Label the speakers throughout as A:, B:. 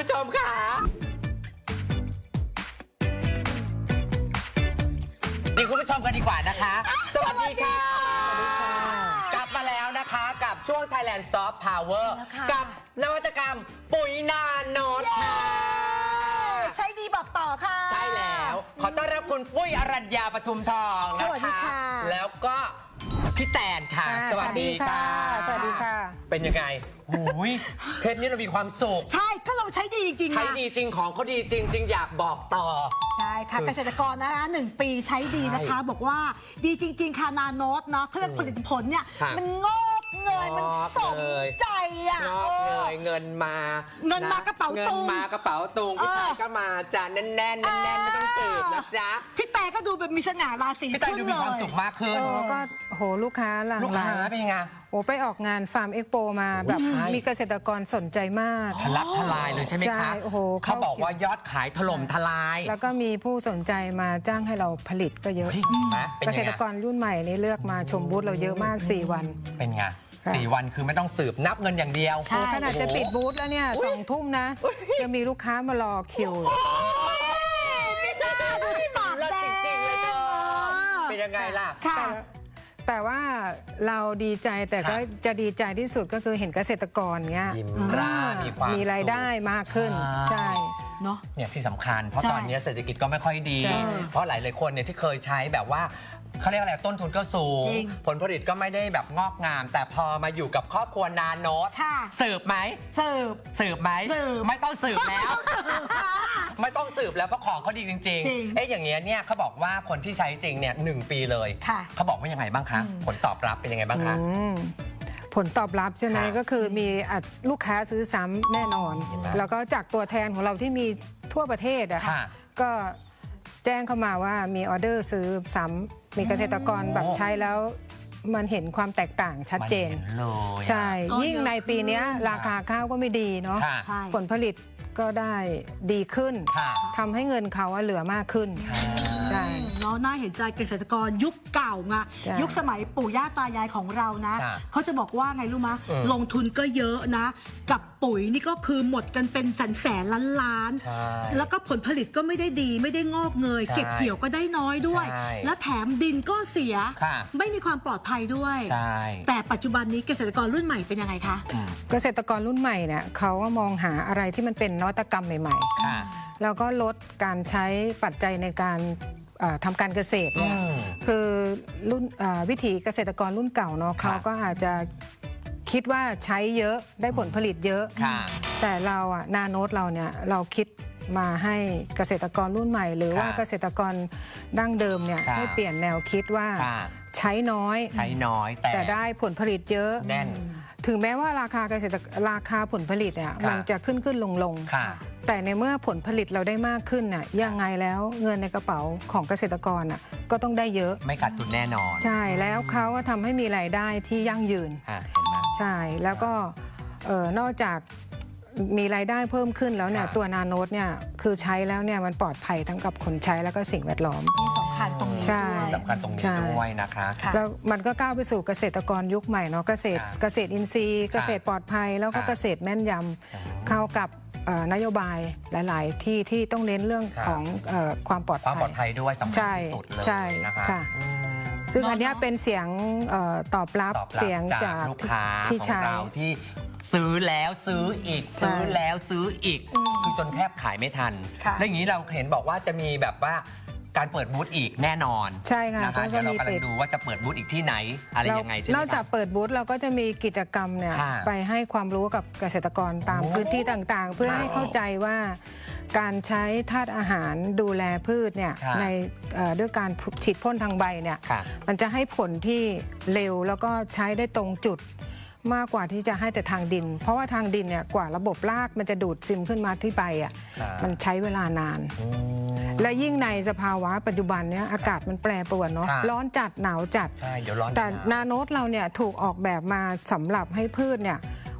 A: ชมค่ะดีคุณผู้ชมกันดีกว่านะคะ สวัสดีค่ะ กลับมาแล้วนะคะกับช่วง Thailand Soft Power กับนวัตกรรมปุ๋ยนาโนตค่ะ
B: ใช้ดีบอกต่อค่ะ
A: ใช่แล้วขอต้อนรับคุณปุ้ยอรัญญาปทุมทองนะคะ
B: สวัสดีค่ะ
A: แล้วก็พี่แตนค่ะสวัสดีค่ะ
B: สวัสดีค่ะ
A: เป็นยังไงหูยเพชรนี่เรามีความสุข
B: ใช่ก็เราใช้ดีจริงๆ
A: ใช้ดีจริงของเขาดีจริงจริงอยากบอกต่อ
B: ใช่ค่ะเกษตรกรนะคะ1 ปีใช้ดีนะคะบอกว่าดีจริงๆค่ะนาโนตเนาะเครื่องผลิตผลเนี่ยมันงอกเงยมันสมใจอ่ะ
A: งอกเงยเงินมาก
B: ระเป๋าตุง
A: เงินมากระเป๋าตุงพี่ชายก็มาจานแน่นแน่นไม่ต้องสืบนะจ๊ะ
B: พี่แต่ก็ดูแบบมีสง่าราศี
A: พี่แต่ดูมีความสุขมากขึ้น
C: ก็โหลูกค้าหลั่งไหล
A: ลูกค้าเป็นยังไง
C: โอ้ไปออกงานฟาร์มเอ็กโปมาแบบมีเกษตรกรสนใจมาก
A: ทะลักทลายเลยใช่ไหมคะ
C: โอ้โห
A: เขาบอกว่ายอดขายถล่มทลาย
C: แล้วก็มีผู้สนใจมาจ้างให้เราผลิตก็เยอะเกษตรกรรุ่นใหม่นี่เลือกมาชมบูธเราเยอะมาก4 วัน
A: เป็นไง4 วันคือไม่ต้องสืบนับเงินอย่างเดียว
C: ขนาดจะปิดบูธแล้วเนี่ย2 ทุ่มนะยังมีลูกค้ามารอคิว
B: ไม่น่าดูที่ปากแดง
A: เป็นยังไงล่ะ
C: แต่ว่าเราดีใจแต่ก็จะดีใจที่สุดก็คือเห็นเกษตรกรเงี้ยมีรายได้มากขึ้นใช่
B: เนาะ
A: เนี่ยที่สำคัญเพราะตอนนี้เศรษฐกิจก็ไม่ค่อยดีเพราะหลายคนเนี่ยที่เคยใช้แบบว่าเขาเรียกอะไรต้นทุนก็สูงผลผลิตก็ไม่ได้แบบงอกงามแต่พอมาอยู่กับครอบครัวนาโนตสืบไหมสืบไหมไม่ต้องสืบแล้วไม่ต้องสืบแล้วเพราะของเขาดีจริงๆอย่างเงี้ยเนี่ยเขาบอกว่าคนที่ใช้จริงเนี่ย1 ปีเลยเขาบอกว่ายังไงบ้างคะผลตอบรับเป็นยังไงบ้างคะ
C: ผลตอบรับใช่ไหมก็คือมีลูกค้าซื้อซ้ำแน่นอนแล้วก็จากตัวแทนของเราที่มีทั่วประเทศอะก็แจ้งเข้ามาว่ามีออเดอร์ซื้อซ้ำมีเกษตรกรแบบใช้แล้วมันเห็นความแตกต่างชัดเจนใช่ยิ่งในปีนี้ราคาข้าวก็ไม่ดีเนาะผลผลิตก็ได้ดีขึ้นทำให้เงินเขาเหลือมากขึ้นใช่
B: เนาะน่าเห็นใจเกษตรกรยุคเก่าไงยุคสมัยปู่ย่าตายายของเรานะเขาจะบอกว่าไงรู้มะลงทุนก็เยอะนะกับปุ๋ยนี่ก็คือหมดกันเป็นแสนล้านแล้วก็ผลผลิตก็ไม่ได้ดีไม่ได้งอกเงยเก็บเกี่ยวก็ได้น้อยด้วยแล้วแถมดินก็เสียไม่มีความปลอดภัยด้วยแต่ปัจจุบันนี้เกษตรกรรุ่นใหม่เป็นยังไงคะ
C: เกษตรกรรุ่นใหม่เนี่ยเขาก็มองหาอะไรที่มันเป็นนวัตกรรมใหม่ๆแล้วก็ลดการใช้ปัจจัยในการทำการเกษตรเนี่ยคือรุ่นวิถีเกษตรกรรุ่นเก่าเนาะเขาก็อาจจะคิดว่าใช้เยอะได้ผลผลิตเยอะแต่เรานาโนตเราเนี่ยเราคิดมาให้เกษตรกรรุ่นใหม่หรือว่าเกษตรกรดั้งเดิมเนี่ยให้เปลี่ยนแนวคิดว่าใช้น้อยแต่ได้ผลผลิตเยอะถึงแม้ว่าราคาผลผลิตเนี่ยมันจะขึ้นลงแต่ในเมื่อผลผลิตเราได้มากขึ้นน่ะยังไงแล้วเงินในกระเป๋าของเกษตรกรน่ะก็ต้องได้เยอะ
A: ไม่ขาดทุนแน่นอน
C: ใช่แล้วเขาก็ทำให้มีรายได้ที่ยั่งยืน
A: เห็นไหม
C: ใช่แล้วก็นอกจากมีรายได้เพิ่มขึ้นแล้วเนี่ยตัวนาโนตเนี่ยคือใช้แล้วเนี่ยมันปลอดภัยทั้งกับคนใช้แล้วก็สิ่งแวดล้อม
B: สำคัญตรงนี้
A: สำคัญตรงนี้ด้วยนะคะ
C: แล้วมันก็ก้าวไปสู่เกษตรกรยุคใหม่เนาะเกษตรอินทรีย์เกษตรปลอดภัยแล้วก็เกษตรแม่นยำเข้ากับนโยบายหลายๆที่ต้องเน้นเรื่องของความปลอด
A: ภัยด้วยสำคัญที่สุดเลย
C: นะคะซึ่งอันนี้เป็นเสียงตอบรับเสียงจาก
A: ลูกค้าของเราที่ซื้อแล้วซื้ออีกซื้อแล้วซื้ออีกคือจนแทบขายไม่ทันและอย่างนี้เราเห็นบอกว่าจะมีแบบว่าการเปิดบูธอีกแน่นอน
C: ใช่ค่ะ
A: เดี๋ยวเรากำลังดูว่าจะเปิดบูธอีกที่ไหนอะไรยังไงใช่ไหม
C: นอกจากเปิดบูธเราก็จะมีกิจกรรมเนี่ยไปให้ความรู้กับเกษตรกรตามพื้นที่ต่างๆเพื่อให้เข้าใจว่าการใช้ธาตุอาหารดูแลพืชเนี่ยในด้วยการฉีดพ่นทางใบเนี่ยมันจะให้ผลที่เร็วแล้วก็ใช้ได้ตรงจุดมากกว่าที่จะให้แต่ทางดินเพราะว่าทางดินเนี่ยกว่าระบบรากมันจะดูดซึมขึ้นมาที่ใบมันใช้เวลานานและยิ่งในสภาวะปัจจุบันเนี่ยอากาศมันแปรปรวนเนาะร้อนจัดหนาวจัดแต่นาโนตเราเนี่ยถูกออกแบบมาสำหรับให้พืชเนี่ย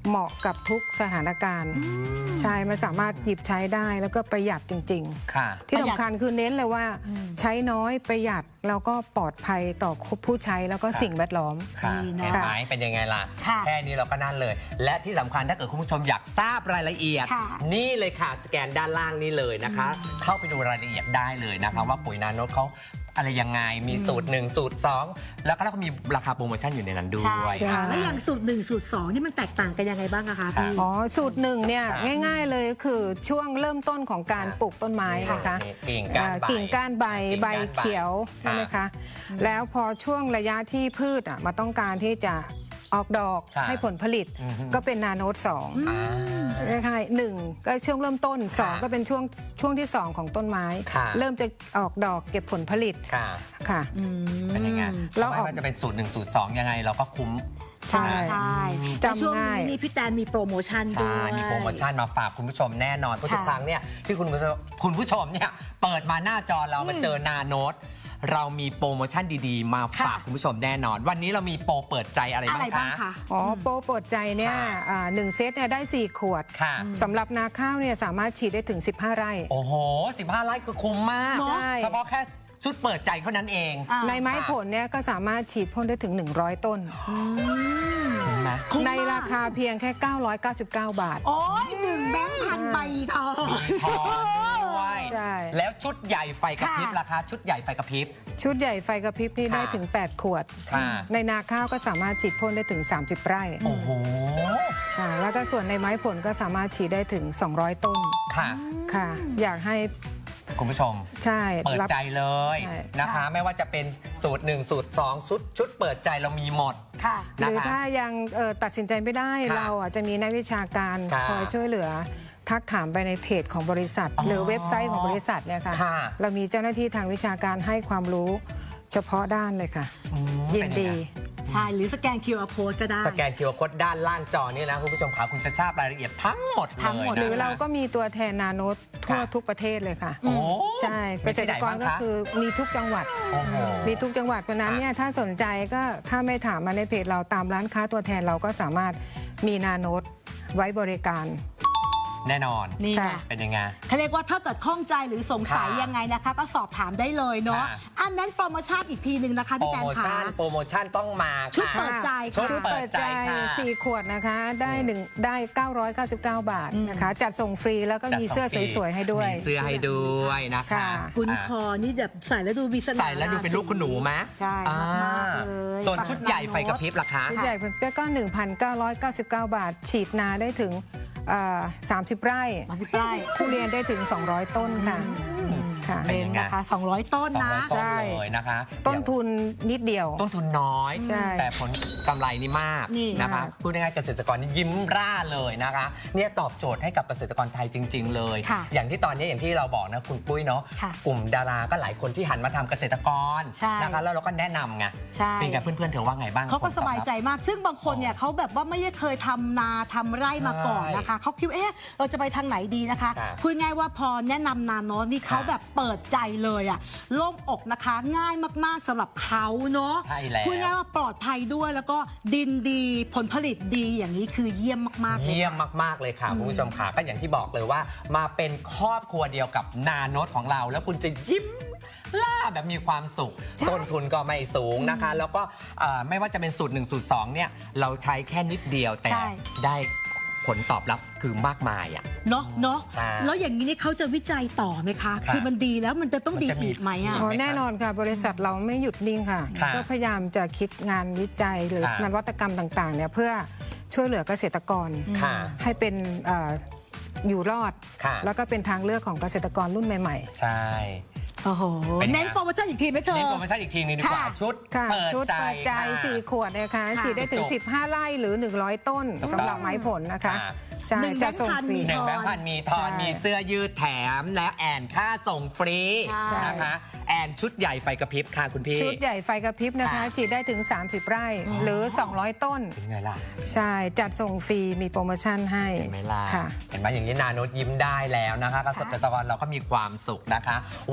C: เหมาะกับทุกสถานการณ์ใช่มันสามารถหยิบใช้ได้แล้วก็ประหยัดจริง
A: ค่ะ
C: ๆ ที่สำคัญคือเน้นเลยว่าใช้น้อยประหยัดแล้วก็ปลอดภัยต่อผู้ใช้แล้วก็สิ่งแวดล้อม
A: ค่ะ
B: ดีเนอะ
A: เห็นไหมเป็นยังไงล่ะ
B: ค่ะ
A: แค่นี้เราก็นั่นเลย และที่สำคัญถ้าเกิดคุณผู้ชมอยากทราบรายละเอียด
B: ค่ะ
A: นี่เลยค่ะสแกนด้านล่างนี่เลยนะคะ เข้าไปดูรายละเอียดได้เลยนะคะ ว่าปุ๋ยนาโนตเขาอะไรยังไงมีสูตร 1 สูตร 2 แล้วก็มีราคาโปรโมชั่นอยู่ในนั้นด้
B: ใช่
A: วย
B: ค่ะแล้วอย่างสูตร 1 สูตร 2 นี่มันแตกต่างกันยังไงบ้างอะคะพี่
C: อ๋อสูตรหนึ่งเนี่ยง่ายๆเลยคือช่วงเริ่มต้นของการปลูกต้นไม้นะคะ
A: กิ่งก้านใบ
C: กิ่งก้านใบ
A: กิ่ง
C: ใบ
A: ก้านใบ
C: เขียวใช่ไหมคะแล้วพอช่วงระยะที่พืชมาต้องการที่จะออกดอก
A: ค่ะ
C: ให้ผลผลิต
A: อือฮึ
C: ก็เป็นนาโนต2
A: อ่า
C: ใช่หนึ่งก็ช่วงเริ่มต้น
A: ค่ะ
C: 2 ก็เป็นช่วงที่ 2 ของต้นไม้
A: ค่ะ
C: เริ่มจะออกดอกเก็บผลผลิต
A: ค่ะ
C: ค่ะ
A: เป็นยังไง
C: เรา
A: ไม่
C: ออก
A: ว่าจะเป็นสูตร 1 สูตร 2 ยังไงเราก็คุ้ม
B: ใช่ใช่
C: จำ
B: ช่วง
C: ง่าย
B: นี้นี่พี่แตนมีโปรโมชั่นด้
A: ใช่
B: วย
A: มีโปรโมชั่นมาฝากคุณผู้ชมแน่นอนเพราะทุก
B: ค่ะ
A: ครั้งเนี่ยที่คุณผู้ชมเนี่ยเปิดมาหน้าจอเรามาเจอนาโนตเรามีโปรโมชั่นดีๆ มาฝาก
B: ค่ะ
A: คุณผู้ชมแน่นอน วันนี้เรามีโปรเปิดใจอะไร
B: อะไร
A: บ้า
B: บ้าง ง
A: คะ
B: คะ
C: อ๋อโปรโปรดใจเนี่ย
A: ค่ะ
C: 1 เซตเนี่ยได้ 4 ขวด
A: ค่ะ
C: สำหรับนาข้าวเนี่ยสามารถฉีดได้ถึง 15 ไร่
A: โอ้โห 15 ไร่คือคุ้มมาก
C: ใช่
A: เฉพาะแค่ชุดเปิดใจเท่านั้นเอง
B: อ่า
C: ในไม้ผลเนี่ยก็สามารถฉีดพ่นได้ถึง 100 ต้น
A: คุ้มไหม
B: คุ้ม
C: ใน
B: มก
C: ราคาเพียงแค่ 999 บาท
B: โอ้ย1 แบงค์พันใบทอง
A: ทองด้วย
C: ใช่
A: แล้วชุดใหญ่ไฟกระพริบ
B: ค่ะ
A: ราคาชุดใหญ่ไฟกระพริบ
C: ชุดใหญ่ไฟกระพริบนี่
A: ค่ะ
C: ได้ถึง 8 ขวด
A: ค่ะ
C: ในนาข้าวก็สามารถฉีดพ่นได้ถึง 30 ไร่
A: โอ้โห
C: ค่ะแล้วก็ส่วนในไม้ผลก็สามารถฉีดได้ถึง 200 ต้น
A: ค่ะ
C: ค่ะ อยากให้
A: คุณผู้ชม
C: ใช่
A: เปิด
C: รับ
A: ใจเลย
C: ใช่
A: นะคะ ไม่ว่าจะเป็นสูตร 1 สูตร 2 ชุดเปิดใจเรามีหมด
B: ค่ะ
C: หรือถ้ายังตัดสินใจไม่ได้
A: ค่ะ
C: เราจะมีนักวิชาการ
A: ค่ะ
C: คอยช่วยเหลือ ทักถามไปในเพจของบริษัท
A: อ๋อ
C: หรือเว็บไซต์ของบริษัทเนี่ยค่ะ
A: ค่ะ
C: เรามีเจ้าหน้าที่ทางวิชาการให้ความรู้เฉพาะด้านเลยค่ะ
A: อืม
C: ยิน
A: เป็นยัง
C: ดี
A: ไง
B: ใช่ หรือสแกน QR code ก็ได้
A: สแกน QR Code ด้านล่างจอนี่นะคุณผู้ชมขาคุณจะทราบรายละเอียดทั้งหมด
B: ทั้งหมด
A: เลยนะ
C: หรือเราก็มีตัวแทนนาโนตทั่ว
A: ค่ะ
C: ทุกประเทศเลยค่ะ
A: โอ้
C: ใช่
A: มี
C: เกษ
A: ที่ไห
C: ต
A: น
C: รกร
A: บ้าง
C: ก็
A: คะ
C: คือมีทุกจังหวัด
A: โอ้โห
C: มีทุกจังหวัดเพราะฉะนั้นเนี่ยถ้าสนใจก็ถ้าไม่ถามมาในเพจเราตามร้านค้าตัวแทนเราก็สามารถมีนาโนตไว้บริการ
A: แน่นอน
B: นี่ไง
C: ค่ะ
A: เป็นยังไง
B: เขาเรียกว่าถ้าเกิดข้องใจหรือสงสัย
A: ค่ะ
B: ยังไงนะคะ ก็สอบถามได้เลยเนาะ
A: ค่ะ
B: อันนั้นโปรโมชั่นอีกทีหนึ่งนะคะ
A: โปร
B: พี่แตน
A: โม
B: ขา
A: ชั่นต้องมา
B: ชุด
A: ค่ะ
B: เปิดใจ
A: ชุ
B: ค่ะ
C: ชุดเปิดใจ
A: ค่ะ
C: 4 ขวดนะคะได้999 บาทนะคะ จัดส่งฟรีแล้วก็มีเสื้อสวยๆให้ด้วย
A: มีเสื้อให้ด้วยนะคะ
C: ค่ะ
B: คุณคอนี่แบบใส่แล้วดูมีเสน่ห์
A: ใส่แล้วดูเป็นลูกคุณหนูไหม
B: ใช่มากๆเลย
A: ส่วนชุดใหญ่ไฟกระพริบราคา
C: ชุดใหญ่ก็ 1,999 บาท ฉีดนาได้ถึง30 ไร่
B: มาสิบไร่
C: ทุเรียนได้ถึง 200 ต้นค่ะค่ะ
A: เป็นยังไง
B: นะคะ200 ต้นนะ
A: 200ต้น
C: ใช่
A: เลยนะคะ
C: ต้นทุนนิดเดียว
A: ต้นทุนน้อย
C: ใช่
A: แต่ผลกำไรนี่มาก
B: นี่
A: นะคะ
C: มาก
A: พูดง่ายๆเกษตรกรนี่ยิ้มร่าเลยนะคะเนี่ยตอบโจทย์ให้กับเกษตรกรไทยจริง ๆ เลย
B: ค่ะ
A: อย่างที่ตอนนี้อย่างที่เราบอกนะคุณปุ้ยเนาะ
B: ค่ะ
A: กลุ่มดาราก็หลายคนที่หันมาทำเกษตรกร
B: ใช่
A: นะคะแล้วเราก็แนะนำไง
B: ใช่
A: เป็นไงเพื่อนๆเธอว่าไงบ้าง
B: เขาก็สบายใจ
A: ผลตอบรับ
B: มาก ซึ่งบางคนเนี่ยเขาแบบว่าไม่ได้เคยทำนาทำไร่มาก่อนนะคะ เขาคิดว่าเราจะไปทางไหนดีนะคะ
A: ค่ะ
B: พูดง่ายว่าพอแนะนำนาโนตนี่เขา
A: ค่ะ
B: แบบเปิดใจเลยอะโล่งอกนะคะ ง่ายมากๆสำหรับเขาเนาะ
A: ใช่แล้ว
B: พูดง่ายว่าปลอดภัยด้วยแล้วก็ดินดีผลผลิตดีอย่างนี้คือเยี่ยมมากๆเลย
A: เยี่ยม
B: ค่ะ
A: มากๆเลยค่ะคุณผู้ชมค่ะก็อย่างที่บอกเลยว่า มาเป็นครอบครัวเดียวกับนาโนตของเรา แล้วคุณจะยิ้มล่าแบบมีความสุข ต้นทุนก็ไม่สูงนะคะ แล้วก็ไม่ว่าจะเป็นสูตร 1 สูตร 2 เนี่ย เราใช้แค่นิดเดียวแต่
B: ใช่
A: ได้ผลตอบรับคือมากมายอ่ะ
B: เนาะเนาะ
A: ใช่
B: แล้วอย่างนี้นี่เขาจะวิจัยต่อไหมคะ
A: ค่ะ
B: คือมันดีแล้วมันจะต้องดี
A: มันจะมี
B: อีกไหมอะ
C: อ๋อแน่นอนค่ะ บริษัทเราไม่หยุดนิ่งค่ะ
A: ค่ะ
C: ก็พยายามจะคิดงานวิจัยหรือ
A: ค่ะ
C: นวัตกรรมต่างๆเนี่ยเพื่อช่วยเหลือเกษตรกร
A: ค่ะ
C: ให้เป็นอยู่รอด
A: ค่ะ
C: แล้วก็เป็นทางเลือกของเกษตรกรรุ่นใหม่
A: ใช่
B: โอ้โห
A: เป็นไง
B: เน้นโปรโมชั่นอีกทีไหมเธอ
A: เน้นโปรโมชั่นอีกทีนึงดีกว่า
B: ค่ะ
A: ชุด
C: ๆ ค่ะ
A: เปิด
C: ชุด
A: ใจ
C: เปิดใจ
A: ค่ะ
C: 4 ขวดนะคะ
B: ค่ะ
C: ฉีดได้ถึง
A: จุก
C: 15 ไร่หรือ 100 ต้น
A: ถูกต้อง
C: สำหรับไม้ผลนะคะ
A: ค่ะ
C: ใช่
B: หนึ่ง
C: จะส่ง
B: แบงค์พัน
C: ฟรี
B: มี
A: หนึ่งแบงค์พันมีทอน
C: ใช่
A: มีเสื้อยืดแถมและแอนค่าส่งฟรี
B: ใช่
A: นะคะแอนชุดใหญ่ไฟกระพริบค่ะคุณพี่
C: ชุดใหญ่ไฟกระพริบนะคะ
A: ค่ะ
C: ฉีดได้ถึง 30 ไร่หรือ 200 ต้น
A: เป็นไงล่ะ
C: ใช่ จัดส่งฟรีมีโปรโมชั่นให้
A: เห็นไหมล่ะ
C: ค่ะ
A: เห็นไหมอย่างนี้นาโนตยิ้มได้แล้วนะคะเกษตรกรเราก็มีความสุขนะคะ วันนี้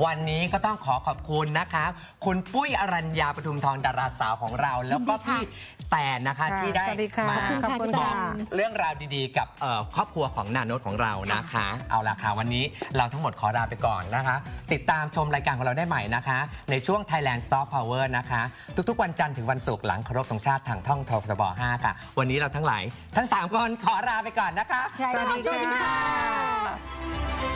A: นี้ก็ต้องขอขอบคุณนะคะ คุณปุ้ยอรัญญาปทุมทองดาราสาวของเรา แล้วก็พี่แตนนะคะที่ได้
C: สวัสดีค่ะ
A: มา
C: ขอบคุณ
A: บอ
C: ค่ะ
A: กเรื่องราวดีๆ กับครอบครัวของนาโนตของเรานะคะ เอาละค่ะวันนี้เราทั้งหมดขอลาไปก่อนนะคะ ติดตามชมรายการของเราได้ใหม่นะคะ ในช่วง Thailand Soft Power นะคะ ทุกๆวันจันทร์ถึงวันศุกร์หลังเคารพธงชาติทางท่องททบ 5 ค่ะ วันนี้เราทั้ง3 คนขอลาไปก่อนนะคะ
B: สวัสดีค่ะ